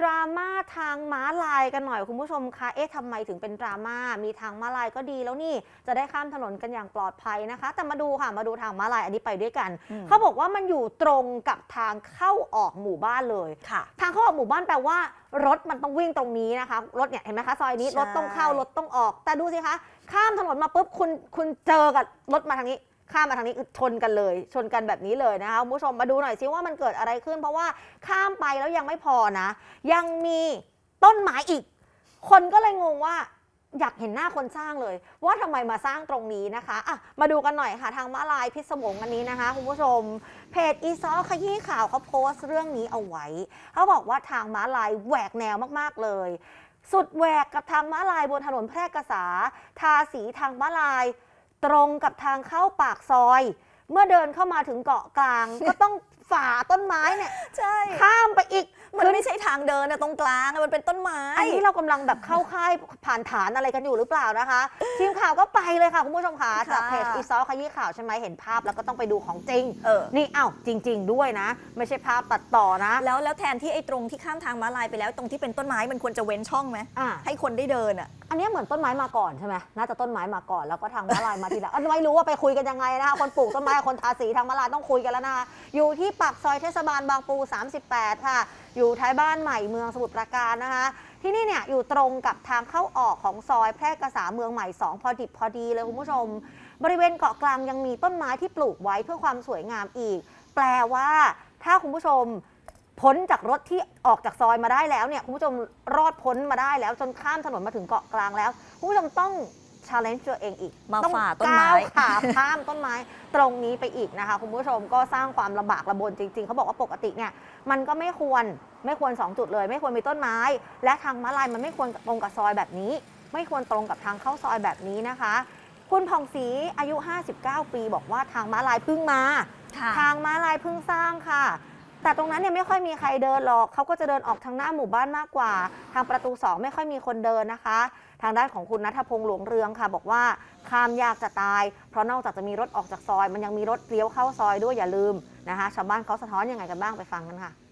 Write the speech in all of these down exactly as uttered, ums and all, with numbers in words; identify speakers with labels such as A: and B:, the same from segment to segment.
A: ดราม่าทางม้าลายกันหน่อยคุณผู้ชมคะเอ๊ะทำไมถึงเป็นดราม่ามีทางม้าลายก็ดีแล้วนี่จะได้ข้ามถนนกันอย่างปลอดภัยนะคะแต่มาดูค่ะมาดูทางม้าลายอันนี้ไปด้วยกันเขาบอกว่ามันอยู่ตรงกับทางเข้าออกหมู่บ้านเลยค่ะทางเข้าออกหมู่บ้านแปลว่ารถมันต้องวิ่งตรงนี้นะคะรถเนี่ยเห็นไหมคะซอยนี้รถต้องเข้ารถต้องออกแต่ดูสิคะข้ามถนนมาปุ๊บคุณคุณเจอกับรถมาทางนี้ข้ามมาทางนี้ชนกันเลยชนกันแบบนี้เลยนะคะคุณผู้ชมมาดูหน่อยซิว่ามันเกิดอะไรขึ้นเพราะว่าข้ามไปแล้วยังไม่พอนะยังมีต้นไม้อีกคนก็เลยงงว่าอยากเห็นหน้าคนสร้างเลยว่าทำไมมาสร้างตรงนี้นะคะอ่ะมาดูกันหน่อยค่ะทางม้าลายพิศวงอันนี้นะคะคุณผู้ชมเพจอีซอขยี้ข่าวเขาโพสต์เรื่องนี้เอาไว้เขาบอกว่าทางม้าลายแหวกแนวมากๆเลยสุดแหวกกับทางม้าลายบนถนนแพร่กษาทาสีทางม้าลายตรงกับทางเข้าปากซอยเมื่อเดินเข้ามาถึงเกาะกลางก็ต้องฝ่าต้นไม้เนี่ยใช่ข้ามไปอีก
B: มันไม่ใช่ทางเดินนะตรงกลางมันเป็นต้นไม้
A: อันนี้เรากำลังแบบเข้าค่ายผ่านฐานอะไรกันอยู่หรือเปล่านะคะทีมข่าวก็ไปเลยค่ะคุณผู้ชมค่ะจากเพจอีซอขยี้ข่าวใช่ไหมเห็นภาพแล้วก็ต้องไปดูของจริงเออนี่อ้าวจริงๆด้วยนะไม่ใช่ภาพตัดต่อนะ
B: แล้วแล้วแทนที่ไอ้ตรงที่ข้ามทางม้าลายไปแล้วตรงที่เป็นต้นไม้มันควรจะเว้นช่องไหมให้คนได้เดินอ่ะ
A: อันนี้เหมือนต้นไม้มาก่อนใช่ไหมน่าจะต้นไม้มาก่อนแล้วก็ทางม้าลายมาทีหลังไม่รู้ว่าไปคุยกันยังไงนะคะคนปลูกต้นไม้คนทาสีทางม้าลายต้องคุยกันแล้วนะคะอยู่ที่ปากซอยเทศบาลบางปูสามสิบแปดค่ะอยู่ท้ายบ้านใหม่เมืองสมุทรปราการนะคะที่นี่เนี่ยอยู่ตรงกับทางเข้าออกของซอยแพร่กษาเมืองใหม่สองพอดิบพอดีเลยคุณผู้ชมบริเวณเกาะกลางยังมีต้นไม้ที่ปลูกไว้เพื่อความสวยงามอีกแปลว่าถ้าคุณผู้ชมพ้นจากรถที่ออกจากซอยมาได้แล้วเนี่ยคุณผู้ชมรอดพ้นมาได้แล้วจนข้ามถนนมาถึงเกาะกลางแล้วคุณผู้ชมต้องchallenge ตัวเองอีก
B: มาฝ่าต้นไม้
A: ขาข้ามต้นไม้ตรงนี้ไปอีกนะคะคุณผู้ชมก็สร้างความลำบากลำบนจริงๆเขาบอกว่าปกติเนี่ยมันก็ไม่ควรไม่ควรสองจุดเลยไม่ควรมีต้นไม้และทางม้าลายมันไม่ควรตรงกับซอยแบบนี้ไม่ควรตรงกับทางเข้าซอยแบบนี้นะคะคุณผ่องศรีอายุห้าสิบเก้าปีบอกว่าทางม้าลายเพิ่งมาทางม้าลายเพิ่งสร้างค่ะแต่ตรงนั้นเนี่ยไม่ค่อยมีใครเดินหรอกเขาก็จะเดินออกทางหน้าหมู่บ้านมากกว่าทางประตูสองไม่ค่อยมีคนเดินนะคะทางด้านของคุณณัฐพงษ์หลวงเรืองค่ะบอกว่าข้ามยากจะตายเพราะนอกจากจะมีรถออกจากซอยมันยังมีรถเลี้ยวเข้าซอยด้วยอย่าลืมนะคะชาวบ้านเขาสะท้อนยังไงกันบ้างไปฟังกันค่ะ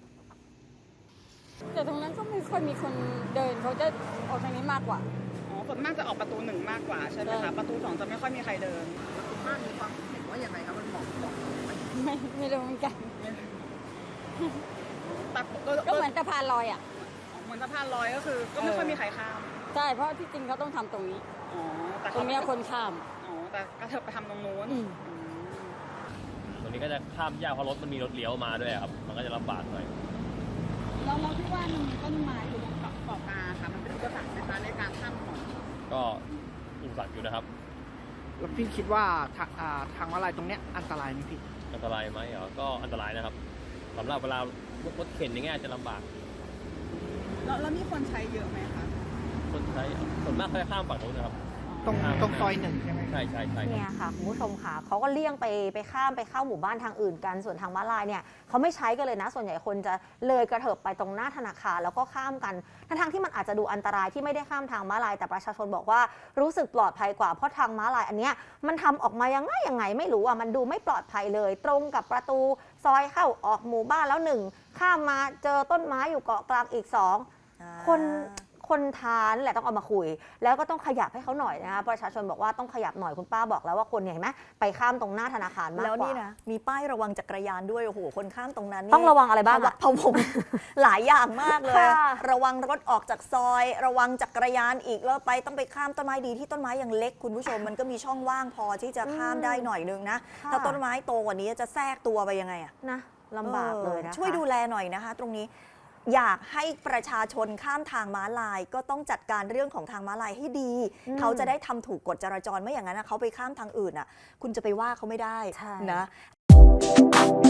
C: แต่ตรงนั้นก็ไม่ค่อยมีคนเดินเขาจะออกทางนี้มากกว่า
D: อ๋อส่วนมากจะออกประตูหนึ่งมากกว่าใช่ไหมคะประตูสองจะไม่ค่อยมีใครเดิน
E: คุณป้ามีความเห็นว่ายังไงครับมันเหมาะเหมาะไหม
C: ไม่ไม่รู้เหมือนกันก็เหมือนสะพานลอยอ่ะ
D: เหมือนสะพานลอยก็คือก็ไม่ค่อยมีใครข้าม
C: ใช่เพราะที่จริงเขาต้องทำตรงนี้
D: อ๋อแต่
C: ตรงนี้คนข้าม
D: อ๋อแต่ก็เธอไปทำตรงนู้น
F: ตรงนี้ก็จะข้ามยากเพราะรถมันมีรถเลี้ยวมาด้วยครับมันก็จะลำบากหน่อย
D: เราเราที่ว่ามันมีต้นไม้อยู่บนเกาะเกาะกาค่ะมันเป็นอุปสรรคไหมคะในการข้ามถนน
F: ก็อุปสรรคอยู่นะครับ
E: แล้วพี่คิดว่าทางม้าลายตรงเนี้ยอันตรายไหมพี่
F: อันตรายไหมเหรอก็อันตรายนะครับสำหรับเวลารถเข็นอย่างเงี้ยจะลำบาก
D: แล้วแล้วมีคนใช้เยอะไหมคะ
F: คนใช้ส่วนมากเขาจะข้ามฝั่งนู้นนะครับ
E: ตรงตรงซอยหนึ่งใช่ไหม
F: ใช่ใช่ใช่
A: เนี่ยค่ะคุณผู้ชมค่ะเขาก็เลี่ยงไปไปข้ามไปเข้าหมู่บ้านทางอื่นกันส่วนทางม้าลายเนี่ยเขาไม่ใช้กันเลยนะส่วนใหญ่คนจะเลยกระเถิบไปตรงหน้าธนาคารแล้วก็ข้ามกันทั้งที่มันอาจจะดูอันตรายที่ไม่ได้ข้ามทางม้าลายแต่ประชาชนบอกว่ารู้สึกปลอดภัยกว่าเพราะทางม้าลายอันเนี้ยมันทำออกมายังไงยังไงไม่รู้อ่ะมันดูไม่ปลอดภัยเลยตรงกับประตูซอยเข้าออกหมู่บ้านแล้วหนึ่งข้ามมาเจอต้นไม้อยู่เกาะกลางอีกสองคนคนทานแหละต้องเอามาคุยแล้วก็ต้องขยับให้เขาหน่อยนะคะประชาชนบอกว่าต้องขยับหน่อยคุณป้าบอกแล้วว่าคนเห็นไหมไปข้ามตรงหน้าธนาคารมากกว่า
B: แล้วนี่นะมีป้ายระวังจักรยานด้วยโอ้โหคนข้ามตรงนั้น
A: ต้องระวังอะไรบ้าง
B: พะวงหลายอย่างมากเลยระวังรถออกจากซอยระวังจักรยานอีกแล้วไปต้องไปข้ามต้นไม้ดีที่ต้นไม้ยังเล็กคุณผู้ชมมันก็มีช่องว่างพอที่จะข้ามได้หน่อยนึงนะถ้าต้นไม้โตกว่านี้จะแทรกตัวไปยังไงอะ
A: นะลำบากเลยนะ
B: ช่วยดูแลหน่อยนะคะตรงนี้อยากให้ประชาชนข้ามทางม้าลายก็ต้องจัดการเรื่องของทางม้าลายให้ดีเขาจะได้ทำถูกกฎจราจรไม่อย่างนั้นเขาไปข้ามทางอื่นอ่ะคุณจะไปว่าเขาไม่ได้นะ